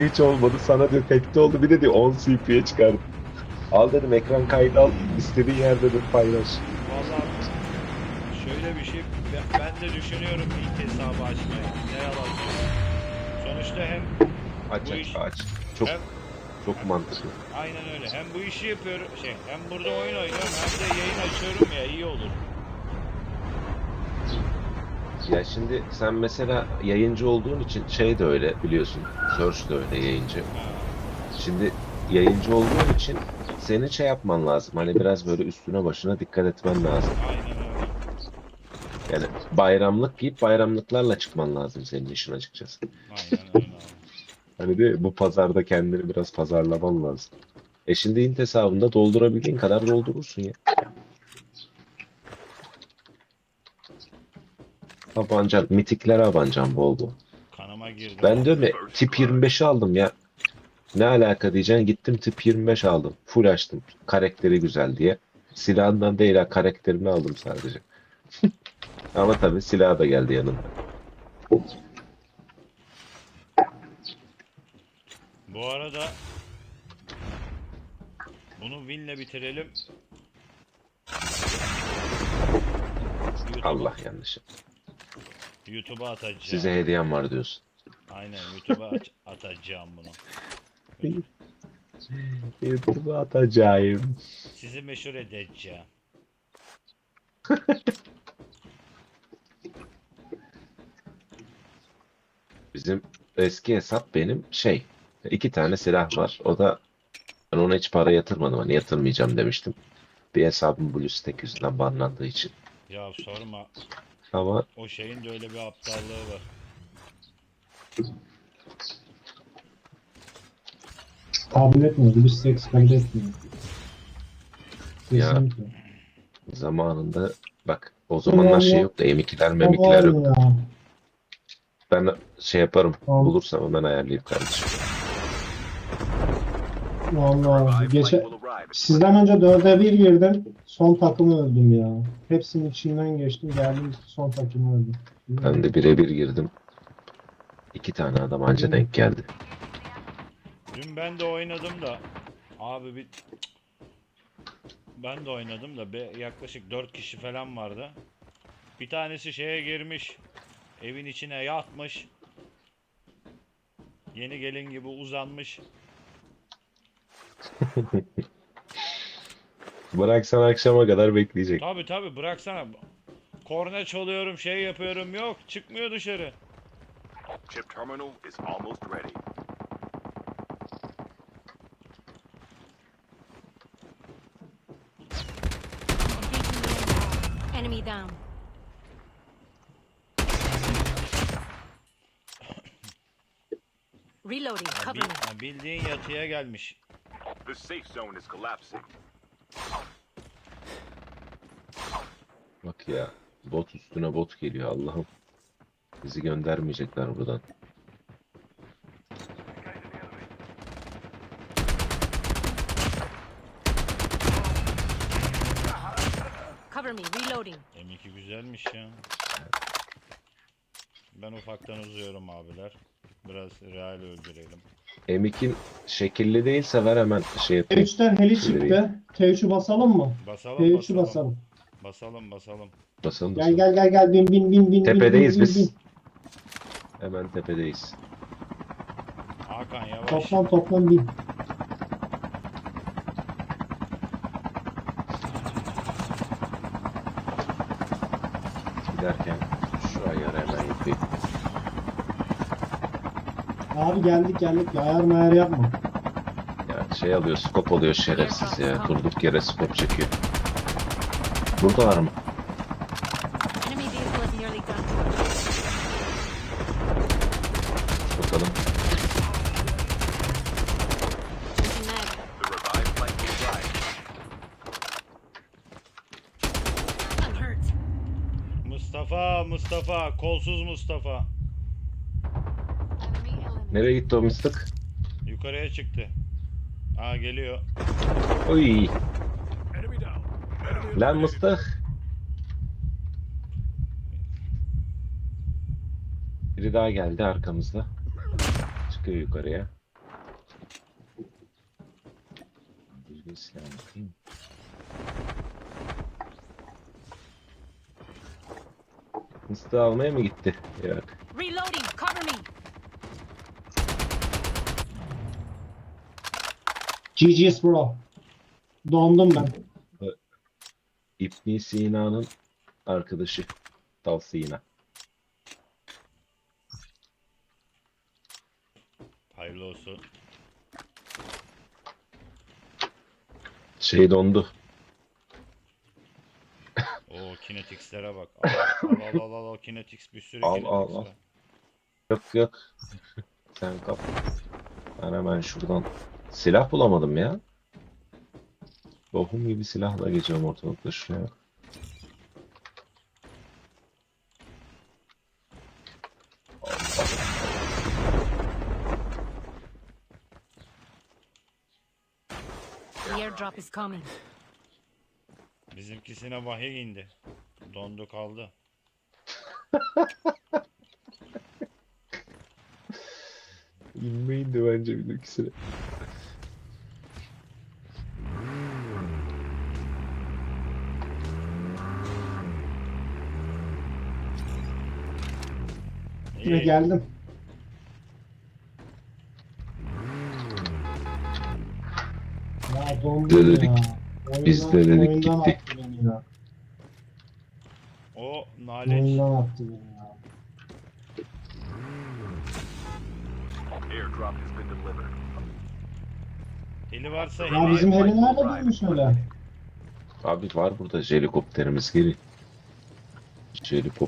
hiç olmadı. Sana diyor tekte oldu. Bir de diyor 10 CP'ye çıkardı. Al dedim ekran kaydı al. İstediğin yerde dedim paylaş. Vallahi şöyle bir şey, ben de düşünüyorum ilk hesabı açmayı. Ne yalan söyleyeyim. Sonuçta hem Aç bu aç iş aç. Çok hem çok hem mantıklı. aynen öyle. Hem bu işi yapıyorum hem burada oyun oynuyorum hem de yayın açıyorum ya, iyi olur. Ya şimdi sen mesela yayıncı olduğun için şey de öyle biliyorsun. Search de öyle yayıncı. Ha, Şimdi yayıncı olduğun için senin şey yapman lazım. Hani biraz böyle üstüne başına dikkat etmen lazım. aynen öyle. Yani bayramlık giyip bayramlıklarla çıkman lazım senin işin açıkçası. Aynen öyle abi. Hani de bu pazarda kendini biraz pazarlaman lazım. Şimdi int hesabında doldurabildiğin kadar doldurursun ya. Abancan, mitiklere abancan bol bol. Kanıma girdi Ben diyorum vallahi. ya tip 25'i aldım ya. Ne alaka diyeceksin gittim tip 25 aldım. Full açtım. Karakteri güzel diye. Silahından değil ha karakterini aldım sadece. Ama tabii silah da geldi yanında. Bu arada bunu winle bitirelim. YouTube'a Allah yanlış. YouTube'a Size atacağım. hediyem var diyorsun. Aynen, YouTube'a atacağım bunu. YouTube'a atacağım. Sizi meşhur edeceğim. Bizim eski hesap benim şey. İki tane silah var. O da ben ona hiç para yatırmadım. Hani yatırmayacağım demiştim. Bir hesabım BlueStack yüzünden banlandığı için. Ya sorma. Ama O şeyin de öyle bir aptallığı var. Kabul etmiyor. Virüs seks kabul etmiyor. ya Kesinlikle. zamanında bak o zamanlar Ulan şey ya, yoktu. M2'ler o var memikler yoktu. ya. Ben şey yaparım. Al- Bulursam hemen ayarlayayım kardeşim. Vallahi sizden önce 4'e 1 girdim. Son takımı öldüm ya. Hepsinin içinden geçtim. Geldim son takımı öldüm. Ben de birebir girdim. İki tane adam anca denk geldi. Dün ben de oynadım da abi ben de oynadım da yaklaşık 4 kişi falan vardı. Bir tanesi şeye girmiş. Evin içine yatmış. Yeni gelin gibi uzanmış. Bıraksan akşama kadar bekleyecek. Tabi tabi, bıraksana. Korna çalıyorum, şey yapıyorum, yok çıkmıyor dışarı. Chip terminal is almost ready. Enemy down. Reloading. Ya Cover me. bildiğin yatıya gelmiş. The safe zone is collapsing. Bak ya. Bot üstüne bot geliyor Allah'ım. Bizi göndermeyecekler buradan. Cover me. Reloading. M2 güzelmiş ya. Ben ufaktan uzuyorum abiler. Biraz real öldürelim. M2'in şekilli değilse ver hemen şey yapayım. T3'ten heli Şey vereyim. çıktı. T3'ü basalım mı? Basalım T3'ü basalım. basalım. Basalım basalım. Basalım Gel basalım. gel gel gel bin bin bin bin Tepedeyiz bin bin bin. biz. Hemen tepedeyiz. Hakan yavaş. Toplam bin. Giderken şu ayarı hemen yapayım. Abi geldik ya ayar mayar yapma. Ya şey alıyor, skop alıyor şerefsiz ya. Durduk yere skop çekiyor. Buradalar mı? Enemy vehicle is nearly done. Bakalım. Changing mag. The revived flight will arrive. I'm hurt. Mustafa, kolsuz Mustafa. Enemy eliminated. Nereye gitti o mıstık? Yukarıya çıktı. Aa, geliyor. Oy. Lan mıstık. Biri daha geldi arkamızda. Çıkıyor yukarıya. Bir silah bakayım. Mıstığı almaya mı gitti? Yok. Reloading. Cover me. GG's bro. Dondum ben. İbn Sina'nın arkadaşı. Dal Sina. Hayırlı olsun. Şey dondu. O Kinetics'lere bak. Al Kinetics, bir sürü Al, Kinetics al, al. var. Yok yok. Sen kap. Ben hemen şuradan silah bulamadım ya. Bohum gibi silahla geçiyorum ortalıkta şuraya. The airdrop is coming. Bizimkisine vahiy indi. Dondu kaldı. İnmeyin de bence bizimkisine. Yine İyi. geldim. Ya dondum Dedik. ya. Biz de dedik, oyundan gittik. attı beni ya. O nalet. Oyundan attı beni ya. Airdrop has been delivered. Heli varsa Ya heli. bizim heli nerede bulmuş öyle? Abi var burada helikopterimiz geri. Helikop.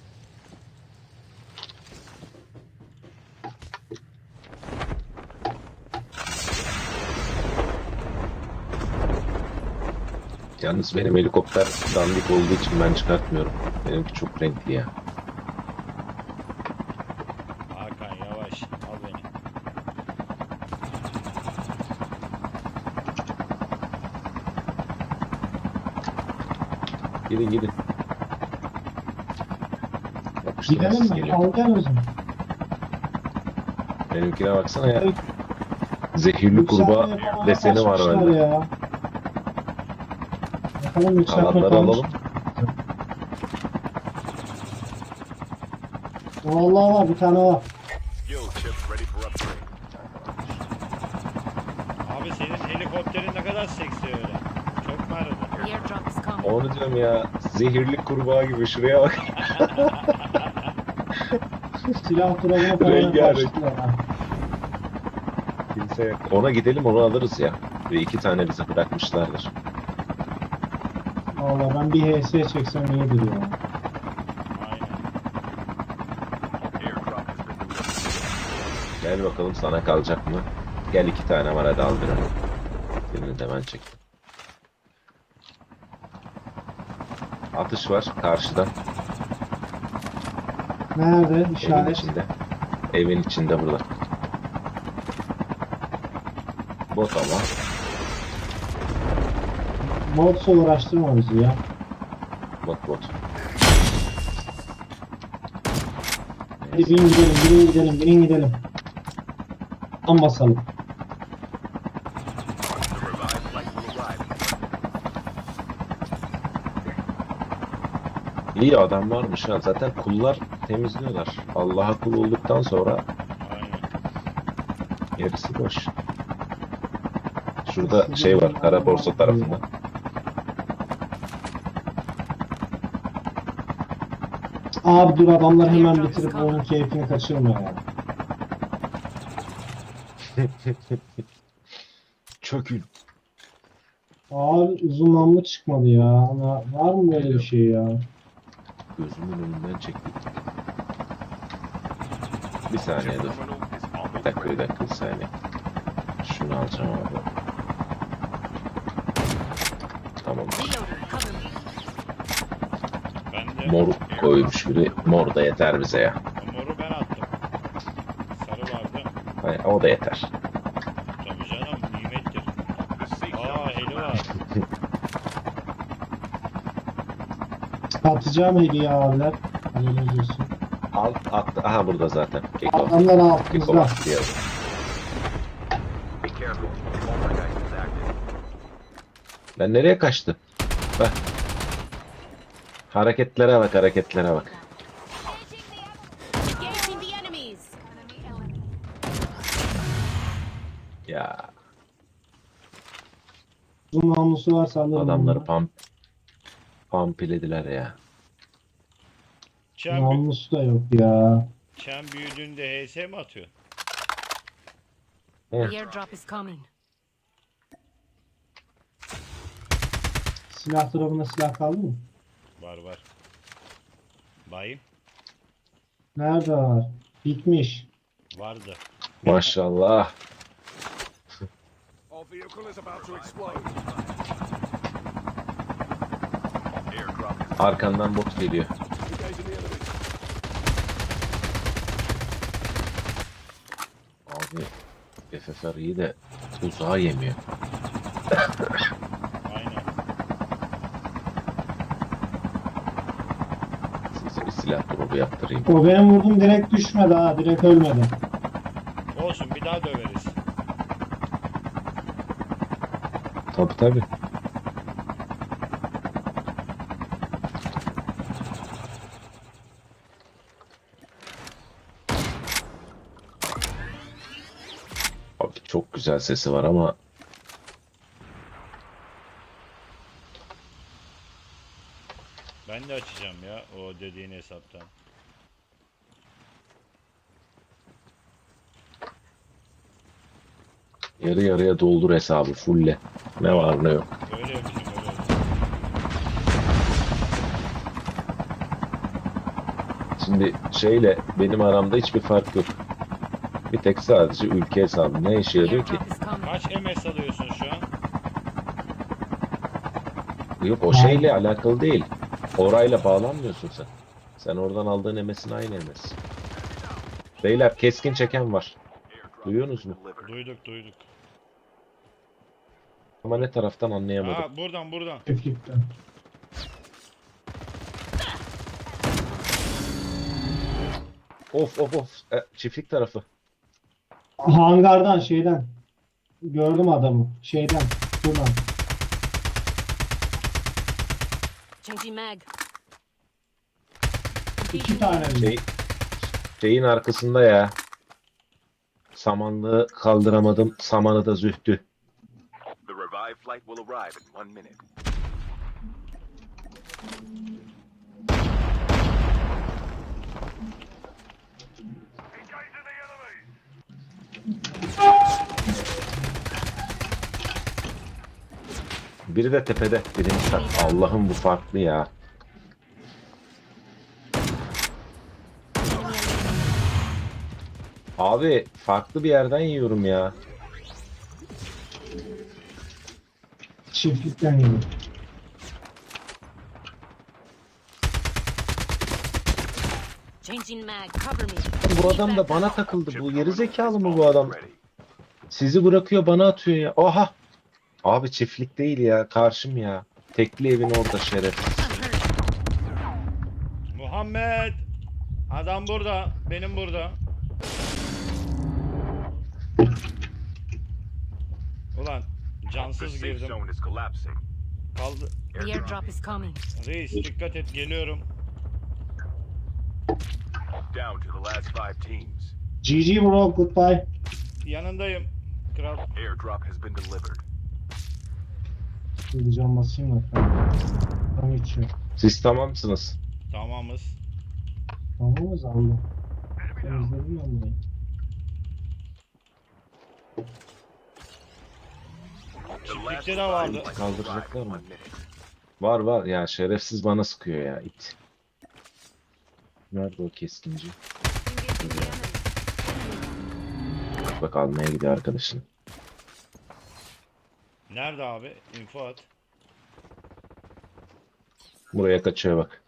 Yalnız benim helikopter dandik olduğu için ben çıkartmıyorum. Benimki çok renkli ya. Hakan yavaş. Al beni. Gidin gidin. Yapıştır Gidelim nasıl mi? geliyor. Al gel o zaman. Benimkine baksana ya. Evet. Zehirli Yükseltme kurbağa yapamaya deseni var başlamışlar bende. ya. Bakalım yükseltme Alanları kalmış. alalım. Vallahi var bir tane var. Skill chips ready for upgrade. Abi senin helikopterin ne kadar seksi öyle. Çok mu aradı? The airdrop is coming. Onu diyorum ya. Zehirli kurbağa gibi şuraya bak. Silah durumuna falan Rengarenk. başladılar ha. Kimse yok. Ona gidelim onu alırız ya. Ve 2 tane bize bırakmışlardır. Vallahi ben bir HS çeksem iyidir ya. Aynen. Airdrop has been delivered. Gel bakalım sana kalacak mı? Gel 2 tane var hadi al birini. Birini de ben çektim. Atış var karşıdan. Nerede? Evin İşaret. içinde. Evin içinde burada. Bot ama. Botsa uğraştırma bizi ya. Bot. Hadi binin gidelim, binin gidelim, binin gidelim. Tam basalım. The revived flight will arrive. İyi adam varmış ha. Zaten kullar temizliyorlar. Allah'a kul olduktan sonra Aynen. gerisi boş. Şurada şey var. Kara borsa tarafında. Abi dur adamlar hemen bitirip onun keyfini kaçırma ya. Çökül. Abi uzun namlu çıkmadı ya. Ama var mı böyle bir şey ya? Gözümün önünden çekti. Bir saniye Chip dur. terminal is almost Bir dakika, ready. bir dakika, bir saniye. Şunu alacağım abi. Tamam. Reloading. Cover me. Ben de Mor koymuş biri. Mor da yeter bize ya. o moru ben attım. Sarı vardı. Hayır, o da yeter. Tabii canım nimettir. The safe zone Aa is heli var. collapsing. Atacağım hediye abiler. Haberiniz olsun. Al, attı. Aha burada zaten. Keko. Adamlar Keko altımızda. bak diyor. Be careful. Poltergeist is active. Lan nereye kaçtı? Bak. Hareketlere bak, hareketlere bak. Engaging the enemies. Ya Uzun namlusu varsa alırım adamları onu. pampilediler ya. Namlusu da yok ya. Çen büyüdüğünde HS mi atıyor? The airdrop is coming. Silah tarafında silah kaldı mı? Var var. Bayım. Nerede var? Bitmiş. Vardı. Maşallah. Our vehicle is about to explode. Airdrop is Arkandan bot geliyor. engaging the enemy. Abi FFR iyi de uzağa yemiyor. Aynen. Size bir silah grubu yaptırayım. O benim vurdum direkt düşmedi ha. Direkt ölmedi. Olsun bir daha döveriz. Tabii tabii. Abi çok güzel sesi var ama Ben de açacağım ya o dediğin hesaptan. yarı yarıya doldur hesabı fulle. Ne var ne yok. Öyle yapacağım öyle yapacağım. Şimdi şeyle benim aramda hiçbir fark yok. Bir tek sadece ülke hesabı. Ne işe The yarıyor ki? airdrop is coming. Kaç MS alıyorsun şu an? Yok o şeyle alakalı değil. Orayla bağlanmıyorsun sen. Sen oradan aldığın emesin aynı emes. Beyler keskin çeken var. Duyuyorsunuz mu? Delivered. Duyduk duyduk. Ama ne taraftan anlayamadım. Aa buradan. Çiftlikten. Of of of. Çiftlik tarafı. Hangardan şeyden. Gördüm adamı. Şeyden. Buradan. Changing mag. İki tane mi? Şey, şeyin arkasında ya. Samanlığı kaldıramadım. Samanı da zühtü. The revived flight will arrive in 1 minute. Biri de tepede. Allah'ım bu farklı ya. Abi farklı bir yerden yiyorum ya. Çiftlikten geliyor. Changing mag. Cover me. Bu adam da bana takıldı. Bu geri zekalı mı bu Almost adam? ready. Sizi bırakıyor bana atıyor ya. Oha. Abi çiftlik değil ya. Karşım ya. Tekli evin orada şerefsiz. Muhammed. Adam burada. Benim burada. Ulan The cansız safe girdim. zone is collapsing. Kaldı. The airdrop is coming. Reis dikkat et geliyorum. Down to the last 5 teams. GG bro. Goodbye. Yanındayım. Kral. Airdrop has been delivered. Şimdi can basayım da. Tam içiyor. Siz tamamsınız. Tamamız. Tamam mı zanlı? Temizledim ben burayı. The last Çiftlikte de vardı. revived flight will Kaldıracaklar arrive in mı? 1 minute. Var var ya şerefsiz bana sıkıyor ya it. Nerede o keskinci? Bak almaya gidiyor arkadaşın. Nerede abi? Info at. Buraya kaçıyor bak.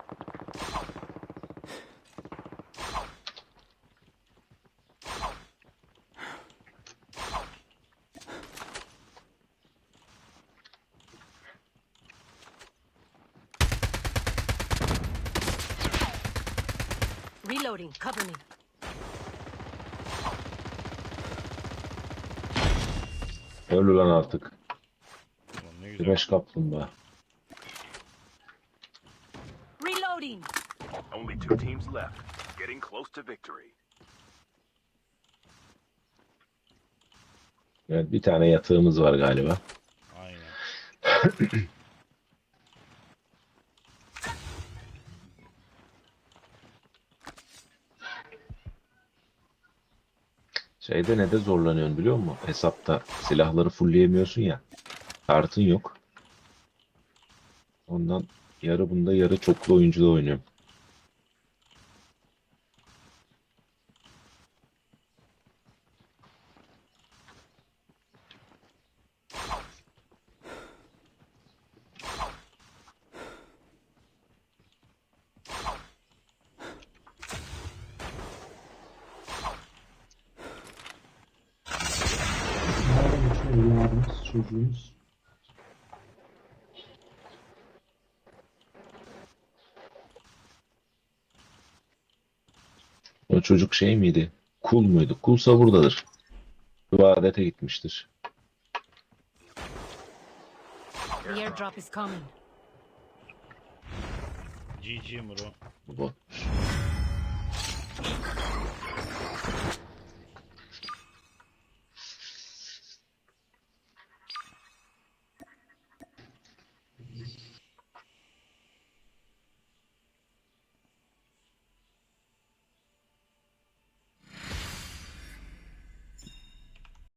Reloading. Cover me. Öl ulan artık. Ulan ne Güneş kaplumbağa. Reloading. Only 2 teams left. Getting close to victory. Evet, bir tane yatağımız var galiba. Aynen. Şeyde ne de zorlanıyorsun biliyor musun? Hesapta silahları fullleyemiyorsun ya. Kartın yok. Ondan yarı bunda yarı çoklu oyuncuda oynuyorum. Nereden uçuyor evladımız, çocuğumuz? O çocuk şey miydi? Kul muydu? Kulsa buradadır. İbadete gitmiştir. The airdrop is coming. GG Muro. Bu botmuş.